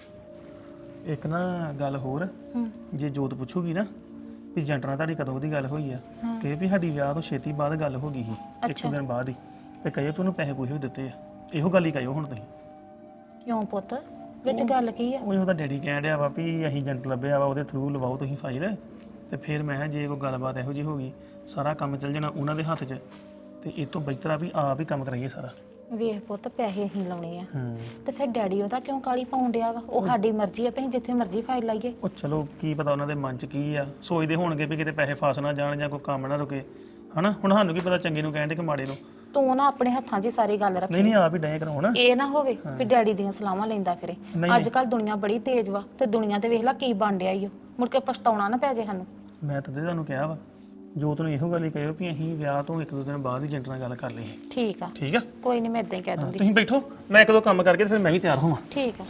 ਇੱਕ ਨਾ ਗੱਲ ਹੋਰ, ਹੂੰ। ਜੇ ਜੋਤ ਪੁੱਛੂਗੀ ਨਾ ਵੀ ਏਜੰਟ ਨਾਲ ਤੁਹਾਡੀ ਕਦੋਂ ਦੀ ਗੱਲ ਹੋਈ ਆ, ਕਹੇ ਵੀ ਸਾਡੀ ਵਿਆਹ ਤੋਂ ਛੇਤੀ ਬਾਅਦ ਗੱਲ ਹੋ ਗਈ ਸੀ, ਇੱਕ ਦਿਨ ਬਾਅਦ ਹੀ, ਤੇ ਕਹੇ ਵੀ ਉਹਨੂੰ ਪੈਸੇ ਪੂਸੇ ਵੀ ਦਿੱਤੇ ਆ। ਇਹੋ ਗੱਲ ਹੀ ਕਹੋ ਹੁਣ ਤੁਸੀਂ। ਕਿਉਂ ਪੁੱਤ, ਵਿੱਚ ਗੱਲ ਕੀ ਆ? ਉਹ ਉਹਦਾ ਡੈਡੀ ਕਹਿਣ ਡਿਆ ਵਾ ਵੀ ਅਸੀਂ ਏਜੰਟ ਲੱਭਿਆ ਵਾ, ਉਹਦੇ ਥਰੂ ਲਵਾਓ ਤੁਸੀਂ ਫਾਈਲ, ਤੇ ਫਿਰ ਮੈਂ ਕਿਹਾ ਜੇ ਕੋਈ ਗੱਲਬਾਤ ਇਹੋ ਜਿਹੀ ਹੋ ਗਈ, ਸਾਰਾ ਕੰਮ ਚੱਲ ਜਾਣਾ ਉਹਨਾਂ ਦੇ ਹੱਥ 'ਚ, ਤੇ ਇਹ ਤੋਂ ਬਿਹਤਰ ਆ ਵੀ ਆਪ ਹੀ ਕੰਮ ਕਰਾਈਏ ਸਾਰਾ। ਵੇਖ ਪੁੱਤ ਪੈਸੇ ਹੀ ਲਾਉਣੇ ਆ, ਹੂੰ। ਤੇ ਫਿਰ ਡੈਡੀ ਉਹਦਾ ਕਿਉਂ ਕਾਲੀ ਪਾਉਣ ਡਿਆ ਵਾ? ਉਹ ਸਾਡੀ ਮਰਜ਼ੀ ਆ, ਅਸੀਂ ਜਿੱਥੇ ਮਰਜ਼ੀ ਫਾਈਲ ਲਾਈਏ। ਉਹ ਚਲੋ ਕੀ ਪਤਾ ਉਹਨਾਂ ਦੇ ਮਨ 'ਚ ਕੀ ਆ, ਸੋਚਦੇ ਹੋਣਗੇ ਵੀ ਕਿਤੇ ਪੈਸੇ ਫਸ ਨਾ ਜਾਣ ਜਾਂ ਕੋਈ ਕੰਮ ਨਾ ਰੁਕੇ, ਹਨਾ। ਹੁਣ ਸਾਨੂੰ ਕੀ ਪਤਾ ਚੰਗੇ ਨੂੰ ਕਹਿਣ ਦੇ ਕਿ ਮਾੜੇ ਨੂੰ। ਤੂੰ ਨਾ ਆਪਣੇ ਹੱਥਾਂ 'ਚ ਹੀ ਸਾਰੀ ਗੱਲ ਰੱਖ। ਨਹੀਂ ਨਹੀਂ ਆਪ ਹੀ ਡਏ ਕਰਾਉਣ। ਇਹ ਨਾ ਹੋਵੇ ਵੀ ਡੈਡੀ ਦੀਆਂ ਸਲਾਹਾਂ ਲੈਂਦਾ ਫਿਰੇ। ਨਹੀਂ, ਅੱਜ ਕੱਲ ਦੁਨੀਆ ਬੜੀ ਤੇਜ਼ ਵਾ, ਤੇ ਦੁਨੀਆ ਤੇ ਵੇਖ ਲਾ ਕੀ ਬਣ ਡਿਆ ਈ ਓ, ਮੁੜ ਕੇ ਪਛਤਾਉਣਾ ਨਾ ਪੈ ਜੇ ਸਾਨੂੰ। ਮੈਂ ਤਾਂ ਤੁਹਾਨੂੰ ਕਿਹਾ ਵਾ, ਜੋਤ ਨੂੰ ਇਹੋ ਗੱਲ ਹੀ ਕਹਿਓ ਵੀ ਅਸੀਂ ਵਿਆਹ ਤੋਂ ਇੱਕ ਦੋ ਦਿਨ ਬਾਅਦ ਹੀ ਏਜੰਟ ਨਾਲ ਗੱਲ ਕਰ ਲਈਏ। ਠੀਕ ਆ, ਠੀਕ ਆ? ਕੋਈ ਨਹੀਂ, ਮੈਂ ਇਦਾਂ ਹੀ ਕਹਿ ਦੂੰਗੀ। ਤੁਸੀਂ ਬੈਠੋ, ਮੈਂ ਇੱਕ ਦੋ ਕੰਮ ਕਰਕੇ ਤੇ ਫਿਰ ਮੈਂ ਵੀ ਤਿਆਰ ਹੋਵਾਂ। ਠੀਕ ਆ।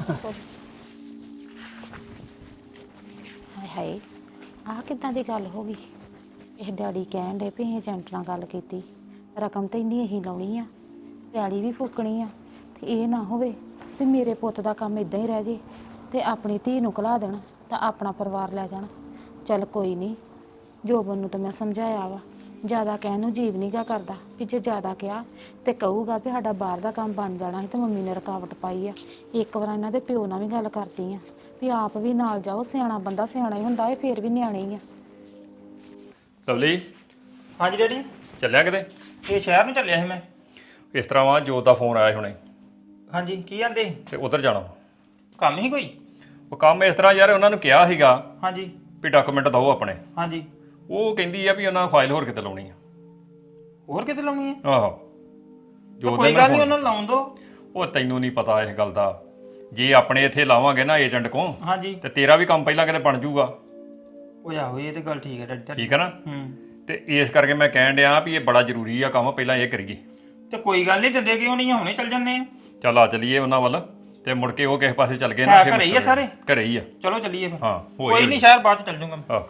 ਹਾਏ ਹਾਏ, ਆਹ ਕਿੱਦਾਂ ਦੀ ਗੱਲ ਹੋ ਗਈ? ਇਹ ਡੈਡੀ ਕਹਿਣ ਦੇ ਵੀ ਏਜੰਟ ਨਾਲ ਗੱਲ ਕੀਤੀ, ਰਕਮ ਤਾਂ ਇੰਨੀ ਇਹੀ ਲਾਉਣੀ ਆ, ਪੈਲੀ ਵੀ ਫੂਕਣੀ ਆ, ਤੇ ਇਹ ਨਾ ਹੋਵੇ ਵੀ ਮੇਰੇ ਪੁੱਤ ਦਾ ਕੰਮ ਇਦਾਂ ਹੀ ਰਹਿ ਜੇ, ਤੇ ਆਪਣੀ ਧੀ ਨੂੰ ਘਲਾ ਦੇਣਾ ਤਾਂ ਆਪਣਾ ਪਰਿਵਾਰ ਲੈ ਜਾਣਾ। ਚੱਲ ਕੋਈ ਨਹੀਂ, ਜੋਬਨ ਨੂੰ ਤਾਂ ਮੈਂ ਸਮਝਾਇਆ ਵਾ, ਜ਼ਿਆਦਾ ਕਹਿਣ ਨੂੰ ਜੀਵ ਨਹੀਂ ਗਾ ਕਰਦਾ, ਵੀ ਜੇ ਜ਼ਿਆਦਾ ਕਿਹਾ ਤੇ ਕਹੂਗਾ ਵੀ ਸਾਡਾ ਬਾਹਰ ਦਾ ਕੰਮ ਬਣ ਜਾਣਾ ਸੀ ਤੇ ਮੰਮੀ ਨੇ ਰੁਕਾਵਟ ਪਾਈ ਆ। ਇੱਕ ਵਾਰ ਇਹਨਾਂ ਦੇ ਪਿਓ ਨਾਲ ਵੀ ਗੱਲ ਕਰਦੀ ਆ ਵੀ ਆਪ ਵੀ ਨਾਲ ਜਾਓ, ਸਿਆਣਾ ਬੰਦਾ ਸਿਆਣਾ ਹੀ ਹੁੰਦਾ, ਇਹ ਫੇਰ ਵੀ ਨਿਆਣੇ ਹੀ ਆ। ਲਵਲੀ ਹਾਂਜੀ ਡੈਡੀ। ਚੱਲਿਆ ਕਿਤੇ? ਇਹ ਸ਼ਹਿਰ ਨੂੰ ਚੱਲਿਆ ਸੀ ਮੈਂ। ਇਸ ਤਰ੍ਹਾਂ ਵਾ ਜੋਤ ਦਾ ਫੋਨ ਆਇਆ ਸੀ ਹੁਣੇ, ਹਾਂਜੀ ਕੀ ਕਹਿੰਦੇ? ਤੇ ਉਧਰ ਜਾਣਾ। ਕੰਮ ਹੀ ਕੋਈ? ਉਹ ਕੰਮ ਇਸ ਤਰ੍ਹਾਂ ਯਾਰ, ਉਹਨਾਂ ਨੂੰ ਕਿਹਾ ਸੀਗਾ ਹਾਂਜੀ ਵੀ ਡਾਕੂਮੈਂਟ ਦਿਓ ਆਪਣੇ। ਹਾਂਜੀ। ਉਹ ਕਹਿੰਦੀ ਆ ਵੀ ਉਹਨਾਂ ਫਾਈਲ ਹੋਰ ਕਿਤੇ ਲਾਉਣੀ ਆ। ਹੋਰ ਕਿਤੇ ਲਾਉਣੀ ਹੈ? ਆਹੋ। ਤਾਂ ਕੋਈ ਗੱਲ ਨਹੀਂ, ਉਹਨਾਂ ਨੂੰ ਲਾਉਣ ਦਿਓ। ਉਹ ਤੈਨੂੰ ਨਹੀਂ ਪਤਾ ਇਸ ਗੱਲ ਦਾ, ਜੇ ਆਪਣੇ ਇੱਥੇ ਲਾਵਾਂਗੇ ਨਾ ਏਜੰਟ ਕੋਲ, ਹਾਂਜੀ, ਤੇ ਤੇਰਾ ਵੀ ਕੰਮ ਪਹਿਲਾਂ ਕਿਤੇ ਬਣ ਜਾਊਗਾ। ਉਹ ਆਹੋ ਇਹ ਤੇ ਗੱਲ ਠੀਕ ਹੈ ਡੈਡੀ ਤੁਹਾਡੀ। ਠੀਕ ਹੈ ਨਾ? ਹੂੰ। ਤੇ ਇਸ ਕਰਕੇ ਮੈਂ ਕਹਿਣ ਡਿਆ ਵੀ ਇਹ ਬੜਾ ਜ਼ਰੂਰੀ ਆ ਕੰਮ, ਪਹਿਲਾਂ ਇਹ ਕਰੀਏ। ਤੇ ਕੋਈ ਗੱਲ ਨਹੀਂ, ਦਿੰਦੇ ਕਿਉਂ ਨਹੀਂ, ਹੁਣੇ ਚੱਲ ਜੰਨੇ ਆ। ਚੱਲ ਆ ਚੱਲੀਏ ਉਹਨਾਂ ਵੱਲ, ਤੇ ਮੁੜ ਕੇ ਉਹ ਕਿਸੇ ਪਾਸੇ ਚੱਲ ਗਏ ਹੈ ਨਾ, ਫਿਰ ਘਰੇ ਹੀ ਆ ਮੁਸ਼ਕਲ ਸਾਰੇ? ਘਰੇ ਹੀ ਆ। ਚਲੋ ਚੱਲੀਏ ਫਿਰ। ਹਾਂ ਹੋ ਕੋਈ ਨਹੀਂ, ਸ਼ਹਿਰ ਬਾਅਦ ਚ ਚੱਲ ਜੂਗਾ। ਆਹ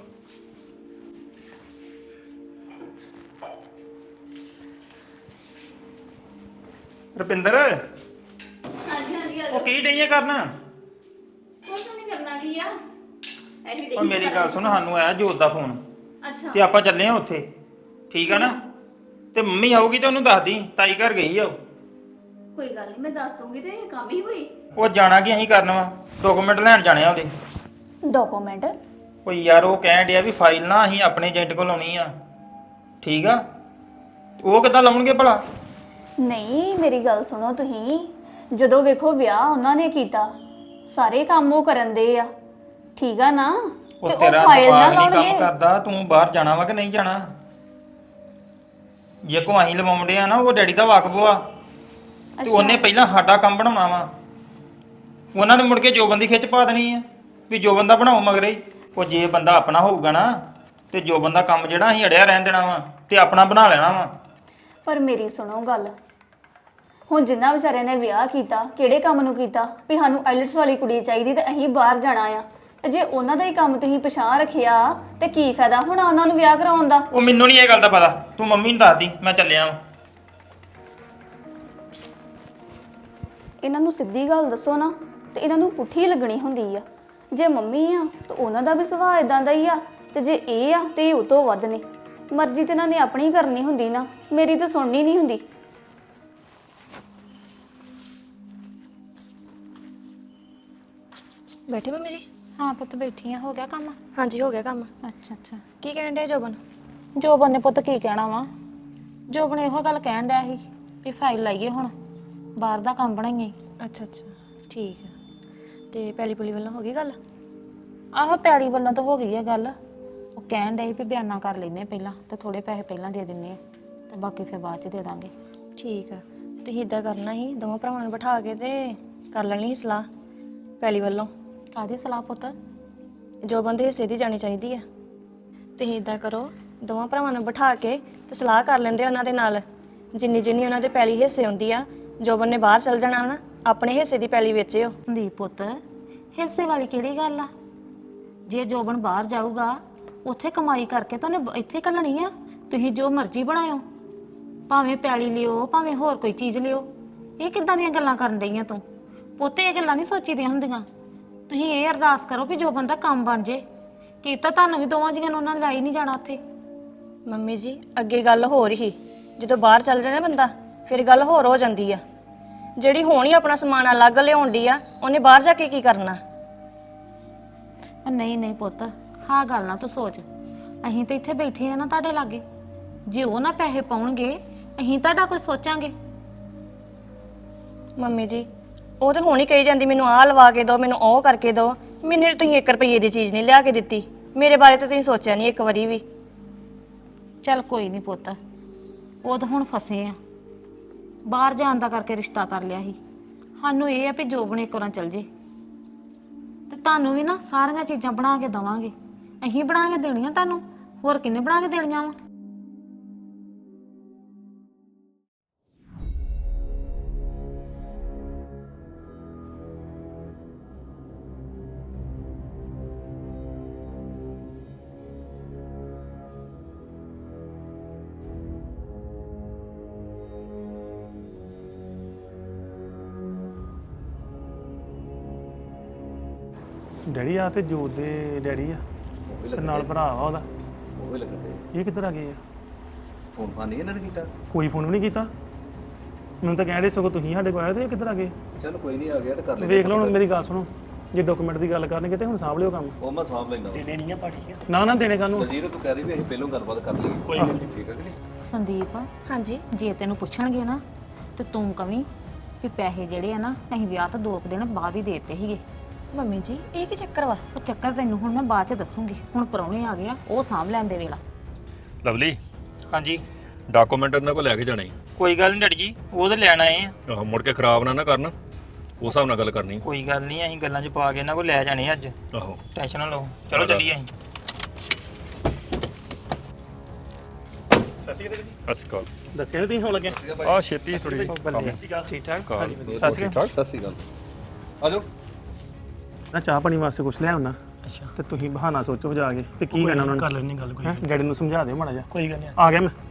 ਰੁਪਿੰਦਰ। ਹਾਂਜੀ ਹਾਂਜੀ ਉਹ ਕੀ ਡਈਆਂ ਕਰਨਾ? ਕੁਝ ਨਹੀਂ ਕਰਨਾ ਕੀ ਆ, ਇਹੀ ਉਹ ਮੇਰੀ ਗੱਲ ਸੁਣ, ਸਾਨੂੰ ਆਇਆ ਜੋਤ ਦਾ ਫੋਨ, ਅੱਛਾ ਤੇ ਆਪਾਂ ਚੱਲੇ ਆ ਉੱਥੇ, ਠੀਕ ਆ ਨਾ? ਤੇ ਮੰਮੀ ਆਊਗੀ ਤੇ ਉਹਨੂੰ ਦੱਸ ਦੀ, ਤਾਈ ਘਰ ਗਈ ਆ ਉਹ। ਕੋਈ ਗੱਲ ਨਹੀਂ, ਮੈਂ ਦੱਸ ਦੂੰਗੀ। ਤੇ ਇਹ ਕੰਮ ਹੀ ਹੋਈ ਉਹ ਜਾਣਾ ਕੀ ਅਸੀਂ ਕਰਨਾ ਵਾ, ਡਾਕੂਮੈਂਟ ਲੈਣ ਜਾਣੇ ਆ ਉਹਦੇ। ਡਾਕੂਮੈਂਟ? ਉਹ ਯਾਰ ਉਹ ਕਹਿਣ ਡਿਆ ਵੀ ਫਾਈਲ ਨਾ ਅਸੀਂ ਆਪਣੇ ਏਜੰਟ ਕੋਲ ਲਾਉਣੀ ਆ, ਠੀਕ ਆ? ਉਹ ਕਿੱਦਾਂ ਲਾਉਣਗੇ ਭਲਾ? ਨਹੀਂ ਮੇਰੀ ਗੱਲ ਸੁਣੋ, ਤੁਸੀਂ ਜਦੋਂ ਵੇਖੋ ਵਿਆਹ ਉਹਨਾਂ ਨੇ ਕੀਤਾ, ਸਾਰੇ ਕੰਮ ਉਹ ਕਰਨ ਦੇ ਆ, ਠੀਕ ਆ ਨਾ? ਉਹ ਤੇ ਤੇਰਾ ਉਹ ਫਾਈਲ ਨਾ ਦਿਮਾਗ ਨਹੀਂ ਕੰਮ ਲਾਉਣਗੇ। ਕਰਦਾ, ਤੂੰ ਬਾਹਰ ਜਾਣਾ ਵਾ ਕਿ ਨਹੀਂ ਜਾਣਾ? ਜੇ ਕੋ ਅਸੀਂ ਲਵਾਉਂਦੇ ਆ ਨਾ, ਉਹ ਡੈਡੀ ਦਾ ਵਾਕਬ ਵਾ, ਤੇ ਉਹਨੇ ਪਹਿਲਾਂ ਸਾਡਾ ਕੰਮ ਬਣਾਉਣਾ ਵਾ। ਉਹਨਾਂ ਨੇ ਮੁੜ ਕੇ ਜੋ ਬੰਦੀ ਖਿੱਚ ਪਾ ਦੇਣੀ ਆ ਵੀ ਜੋ ਬੰਦਾ ਬਣਾਓ ਮਗਰੇ। ਉਹ ਜੇ ਬੰਦਾ ਆਪਣਾ ਹੋਊਗਾ ਨਾ, ਤੇ ਜੋ ਬੰਦਾ ਕੰਮ ਜਿਹੜਾ ਅਸੀਂ ਅੜਿਆ ਰਹਿਣ ਦੇਣਾ ਵਾ, ਤੇ ਆਪਣਾ ਬਣਾ ਲੈਣਾ ਵਾ। ਪਰ ਮੇਰੀ ਸੁਣੋ ਗੱਲ, ਹੁਣ ਜਿੰਨਾ ਵਿਚਾਰਿਆਂ ਨੇ ਵਿਆਹ ਕੀਤਾ, ਕਿਹੜੇ ਕੰਮ ਨੂੰ ਕੀਤਾ ਵੀ ਸਾਨੂੰ ਆਈਲਟਸ ਵਾਲੀ ਕੁੜੀ ਚਾਹੀਦੀ ਤੇ ਅਸੀਂ ਬਾਹਰ ਜਾਣਾ ਆ, ਤੇ ਜੇ ਉਹਨਾਂ ਦਾ ਹੀ ਕੰਮ ਤੁਸੀਂ ਪਛਾਣ ਰੱਖਿਆ ਤੇ ਕੀ ਫਾਇਦਾ ਹੁਣ ਉਹਨਾਂ ਨੂੰ ਵਿਆਹ ਕਰਾਉਣ ਦਾ? ਉਹ ਮੈਨੂੰ ਨਹੀਂ ਇਹ ਗੱਲ ਦਾ ਪਤਾ, ਤੂੰ ਮੰਮੀ ਨੂੰ ਦੱਸ ਦੀ, ਮੈਂ ਚੱਲਿਆ ਵਾਂ। ਇਹਨਾਂ ਨੂੰ ਸਿੱਧੀ ਗੱਲ ਦੱਸੋ ਨਾ, ਤੇ ਇਹਨਾਂ ਨੂੰ ਪੁੱਠੀ ਲੱਗਣੀ ਹੁੰਦੀ ਆ। ਜੇ ਮੰਮੀ ਆ ਤਾਂ ਉਹਨਾਂ ਦਾ ਵੀ ਸੁਭਾਅ ਇਦਾਂ ਦਾ ਹੀ ਆ, ਤੇ ਜੇ ਇਹ ਆ ਤੇ ਇਹ ਉਹ ਤੋਂ ਵੱਧ ਨੇ। ਮਰਜ਼ੀ ਤੇ ਇਹਨਾਂ ਨੇ ਆਪਣੀ ਕਰਨੀ ਹੁੰਦੀ ਨਾ, ਮੇਰੀ ਤਾਂ ਸੁਣਨੀ ਨਹੀਂ ਹੁੰਦੀ। ਬੈਠੇ ਮੰਮੀ ਜੀ? ਹਾਂ ਪੁੱਤ ਬੈਠੀ ਆ। ਹੋ ਗਿਆ ਕੰਮ? ਹਾਂਜੀ ਹੋ ਗਿਆ ਕੰਮ। ਅੱਛਾ ਅੱਛਾ। ਕੀ ਕਹਿਣ ਡਿਆ ਜੋਬਨ? ਜੋਬਨ ਨੇ ਪੁੱਤ ਕੀ ਕਹਿਣਾ ਵਾ, ਜੋਬਨ ਇਹੋ ਗੱਲ ਕਹਿਣ ਡਿਆ ਸੀ ਵੀ ਫਾਈਲ ਲਾਈਏ ਹੁਣ, ਬਾਹਰ ਦਾ ਕੰਮ ਬਣਾਈਏ। ਅੱਛਾ ਅੱਛਾ ਠੀਕ ਆ। ਤੇ ਪੈਲੀ ਪੁਲੀ ਵੱਲੋਂ ਹੋ ਗਈ ਗੱਲ? ਆਹੋ ਪੈਲੀ ਵੱਲੋਂ ਤਾਂ ਹੋ ਗਈ ਆ ਗੱਲ। ਉਹ ਕਹਿਣ ਡਏ ਸੀ ਵੀ ਬਿਆਨਾ ਕਰ ਲੈਨੇ ਪਹਿਲਾਂ ਤੇ ਥੋੜੇ ਪੈਸੇ ਪਹਿਲਾਂ ਦੇ ਦਿੰਨੇ ਆ ਤੇ ਬਾਕੀ ਫਿਰ ਬਾਅਦ ਚ ਦੇ ਦਾਂਗੇ। ਠੀਕ ਆ। ਤੁਸੀਂ ਇਦਾਂ ਕਰਨਾ ਸੀ, ਦੋਵਾਂ ਭਰਾਵਾਂ ਨੂੰ ਬਿਠਾ ਕੇ ਤੇ ਕਰ ਲੈਣੀ ਸੀ ਸਲਾਹ ਪੈਲੀ ਵੱਲੋਂ। ਕਾਹਦੀ ਸਲਾਹ ਪੁੱਤ? ਜੋਬਨ ਦੇ ਹਿੱਸੇ ਦੀ ਜਾਣੀ ਚਾਹੀਦੀ ਆ। ਤੁਸੀਂ ਇਦਾਂ ਕਰੋ, ਦੋਵਾਂ ਭਰਾਵਾਂ ਨੂੰ ਬਿਠਾ ਕੇ ਤੇ ਸਲਾਹ ਕਰ ਲੈਂਦੇ ਉਹਨਾਂ ਦੇ ਨਾਲ, ਜਿੰਨੀ ਜਿੰਨੀ ਉਹਨਾਂ ਦੇ ਪੈਲੀ ਹਿੱਸੇ ਹੁੰਦੀ ਆ। ਜੋਬਨ ਨੇ ਬਾਹਰ ਚਲ ਜਾਣਾ ਨਾ, ਆਪਣੇ ਹਿੱਸੇ ਦੀ ਪੈਲੀ ਵੇਚਿਓ। ਸੰਦੀਪ ਪੁੱਤ ਹਿੱਸੇ ਵਾਲੀ ਕਿਹੜੀ ਗੱਲ ਆ? ਜੇ ਜੋਬਨ ਬਾਹਰ ਜਾਊਗਾ ਉੱਥੇ ਕਮਾਈ ਕਰਕੇ ਤਾਂ ਉਹਨੇ ਇੱਥੇ ਘੱਲਣੀ ਆ। ਤੁਸੀਂ ਜੋ ਮਰਜ਼ੀ ਬਣਾਇਓ, ਭਾਵੇਂ ਪੈਲੀ ਲਿਓ ਭਾਵੇਂ ਹੋਰ ਕੋਈ ਚੀਜ਼ ਲਿਓ। ਇਹ ਕਿੱਦਾਂ ਦੀਆਂ ਗੱਲਾਂ ਕਰਨ ਡਈਆਂ ਤੂੰ? ਪੁੱਤ ਇਹ ਗੱਲਾਂ ਨਹੀਂ ਸੋਚੀਦੀਆਂ ਹੁੰਦੀਆਂ। ਤੁਸੀਂ ਇਹ ਅਰਦਾਸ ਕਰੋ ਵੀ ਜੋਬਨ ਦਾ ਕੰਮ ਬਣ ਜੇ, ਕੀ ਤਾਂ ਤੁਹਾਨੂੰ ਵੀ ਦੋਵਾਂ ਜੀਆਂ ਨੂੰ ਉਹਨਾਂ ਨੇ ਲਾਈ ਨਹੀਂ ਜਾਣਾ ਉੱਥੇ। ਮੰਮੀ ਜੀ ਅੱਗੇ ਗੱਲ ਹੋ ਰਹੀ, ਜਦੋਂ ਬਾਹਰ ਚੱਲ ਜਾਣਾ ਬੰਦਾ ਫਿਰ ਗੱਲ ਹੋਰ ਹੋ ਜਾਂਦੀ ਆ। ਜਿਹੜੀ ਹੋਣੀ ਆਪਣਾ ਸਮਾਨ ਅਲੱਗ ਲਿਆਉਣ ਦੀ ਆ, ਉਹਨੇ ਬਾਹਰ ਜਾ ਕੇ ਕੀ ਕਰਨਾ? ਉਹ ਨਹੀਂ ਨਹੀਂ ਪੁੱਤ, ਹਾਂ ਗੱਲ ਨਾ ਤੂੰ ਸੋਚ। ਅਸੀਂ ਤਾਂ ਇੱਥੇ ਬੈਠੇ ਆ ਨਾ ਤੁਹਾਡੇ ਲਾਗੇ, ਜੇ ਉਹ ਨਾ ਪੈਸੇ ਪਾਉਣਗੇ ਅਸੀਂ ਤੁਹਾਡਾ ਕੁਝ ਸੋਚਾਂਗੇ? ਮੰਮੀ ਜੀ ਉਹ ਤੇ ਹੁਣ ਹੀ ਕਹੀ ਜਾਂਦੀ ਮੈਨੂੰ ਆਹ ਲਵਾ ਕੇ ਦਿਓ, ਮੈਨੂੰ ਉਹ ਕਰਕੇ ਦਿਓ। ਮੈਨੂੰ ਤੁਸੀਂ ਇੱਕ ਰੁਪਈਏ ਦੀ ਚੀਜ਼ ਨਹੀਂ ਲਿਆ ਕੇ ਦਿੱਤੀ। ਮੇਰੇ ਬਾਰੇ ਤਾਂ ਤੁਸੀਂ ਸੋਚਿਆ ਨਹੀਂ ਇੱਕ ਵਾਰੀ ਵੀ। ਚੱਲ ਕੋਈ ਨਹੀਂ ਪੁੱਤ, ਉਹ ਤਾਂ ਹੁਣ ਫਸੇ ਆ, ਬਾਹਰ ਜਾਣ ਦਾ ਕਰਕੇ ਰਿਸ਼ਤਾ ਕਰ ਲਿਆ ਸੀ। ਸਾਨੂੰ ਇਹ ਆ ਵੀ ਜੋਬਨ ਇੱਕ ਵਾਰ ਚੱਲ ਜੇ ਤੇ ਤੁਹਾਨੂੰ ਵੀ ਨਾ ਸਾਰੀਆਂ ਚੀਜ਼ਾਂ ਬਣਾ ਕੇ ਦਵਾਂਗੇ। ਅਸੀਂ ਬਣਾ ਕੇ ਦੇਣੀਆਂ ਤੁਹਾਨੂੰ, ਹੋਰ ਕਿੰਨੇ ਬਣਾ ਕੇ ਦੇਣੀਆਂ ਵਾ? ਡੈਡੀ ਆ ਤੇ ਜੋਤ ਦੇ ਡੈਡੀ ਆ ਤੇ ਨਾਲ ਭਰਾ ਆ ਉਹਦਾ। ਉਹ ਵੀ ਲੱਗਣ ਦੇ। ਇਹ ਕਿੱਧਰ ਆ ਗਏ ਆ? ਫੋਨ ਫਾਨ ਨਹੀਂ ਇਹਨਾਂ ਨੇ ਕੀਤਾ? ਕੋਈ ਫੋਨ ਵੀ ਨਹੀਂ ਕੀਤਾ ਮੈਨੂੰ ਤਾਂ ਕਹਿ ਰਹੇ ਸਗੋਂ ਤੁਸੀਂ ਸਾਡੇ ਕੋਲ ਆਏ ਤੇ ਇਹ ਕਿੱਧਰ ਆ ਗਏ? ਚਲ ਕੋਈ ਨਹੀਂ, ਆ ਗਿਆ ਤੇ ਕਰ ਲੈ। ਵੇਖ ਲਓ ਹੁਣ ਮੇਰੀ ਗੱਲ ਸੁਣੋ, ਜੇ ਡਾਕੂਮੈਂਟ ਦੀ ਗੱਲ ਕਰਨਗੇ ਤੇ ਹੁਣ ਸਾਂਭ ਲਿਓ ਕੰਮ। ਉਹ ਮੈਂ ਸਾਂਭ ਲੈਂਦਾ। ਦੇਣੇ ਨਹੀਂ ਆ ਪਾਠੀ ਨਾ ਨਾ ਦੇਣੇ ਕਾਹਨੂੰ? ਵਜ਼ੀਰ ਤੂੰ ਕਹਿ ਰਹੀ ਵੀ ਅਸੀਂ ਪਹਿਲਾਂ ਗੱਲਬਾਤ ਕਰ ਲਈਏ। ਕੋਈ ਗੱਲ ਨਹੀਂ। ਠੀਕ ਹੈ ਕਿ ਨਹੀਂ? ਸੰਦੀਪ ਹਾਂਜੀ ਜੇ ਤੈਨੂੰ ਪੁੱਛਣਗੇ ਨਾ ਤੇ ਤੂੰ ਕਵੀਂ ਵੀ ਪੈਸੇ ਜਿਹੜੇ ਆ ਨਾ ਅਸੀਂ ਵਿਆਹ ਤੋਂ ਦੋ ਕੁ ਦਿਨ ਬਾਅਦ ਹੀ ਦੇਤੇ ਸੀਗੇ। ਮੰਮੀ ਜੀ ਇਹ ਕੀ ਚੱਕਰ ਵਾ? ਉਹ ਚੱਕਰ ਤੈਨੂੰ ਹੁਣ ਮੈਂ ਬਾਅਦ ਚ ਦੱਸੂਗੀ। ਹੁਣ ਪ੍ਰਾਹੁਣੇ ਆ ਗਿਆ, ਉਹ ਸਾਂਭ ਲੈਣ ਦੇ ਵੇਲਾ। ਲਵਲੀ ਹਾਂਜੀ ਡਾਕੂਮੈਂਟ ਇਹਨਾਂ ਕੋਲ ਲੈ ਕੇ ਜਾਣੇ। ਕੋਈ ਗੱਲ ਨਹੀਂ ਡੈਡੀ ਜੀ, ਉਹ ਤਾਂ ਲੈਣ ਆਏ ਆ। ਆਹੋ ਮੁੜ ਕੇ ਖਰਾਬ ਨਾ ਨਾ ਕਰਨ, ਉਸ ਹਿਸਾਬ ਨਾਲ ਗੱਲ ਕਰਨੀ। ਕੋਈ ਗੱਲ ਨਹੀਂ, ਅਸੀਂ ਗੱਲਾਂ 'ਚ ਪਾ ਕੇ ਇਹਨਾਂ ਕੋਲ ਲੈ ਜਾਣੇ ਅੱਜ। ਆਹੋ ਟੈਨਸ਼ਨ ਨਾ ਲਓ, ਚਲੋ ਚੱਲੀਏ ਅਸੀਂ। ਸਤਿ ਸ਼੍ਰੀ ਅਕਾਲ। ਦੱਸਿਆ ਨੀ ਤੁਸੀਂ ਹੁਣ ਲੱਗੇ? ਆ ਛੇਤੀ ਥੋੜੀ ਜਿਹੀ ਕੰਮ ਠੀਕ ਠਾਕ? ਕਾਲ ਸਤਿ ਸ਼੍ਰੀ ਅਕਾਲ। ਸਤਿ ਸ਼੍ਰੀ ਅਕਾਲ। ਆ ਜਾਓ। ਨਾ ਚਾਹ ਪਾਣੀ ਵਾਸਤੇ ਕੁਛ ਲੈ ਆਉਣਾ ਅੱਛਾ ਤੇ ਤੁਸੀਂ ਬਹਾਨਾ ਸੋਚੋ ਜਾ ਕੇ ਤੇ ਕੀ ਕਹਿਣਾ ਉਹਨਾਂ ਕਰ ਨੇ। ਲੈਣੀ ਗੱਲ ਕੋਈ ਹੈਂ? ਡੈਡੀ ਨੂੰ ਸਮਝਾ ਦਿਓ ਮਾੜਾ ਜਿਹਾ। ਕੋਈ ਗੱਲ ਨਹੀਂ। ਆ ਗਿਆ ਮੈਂ।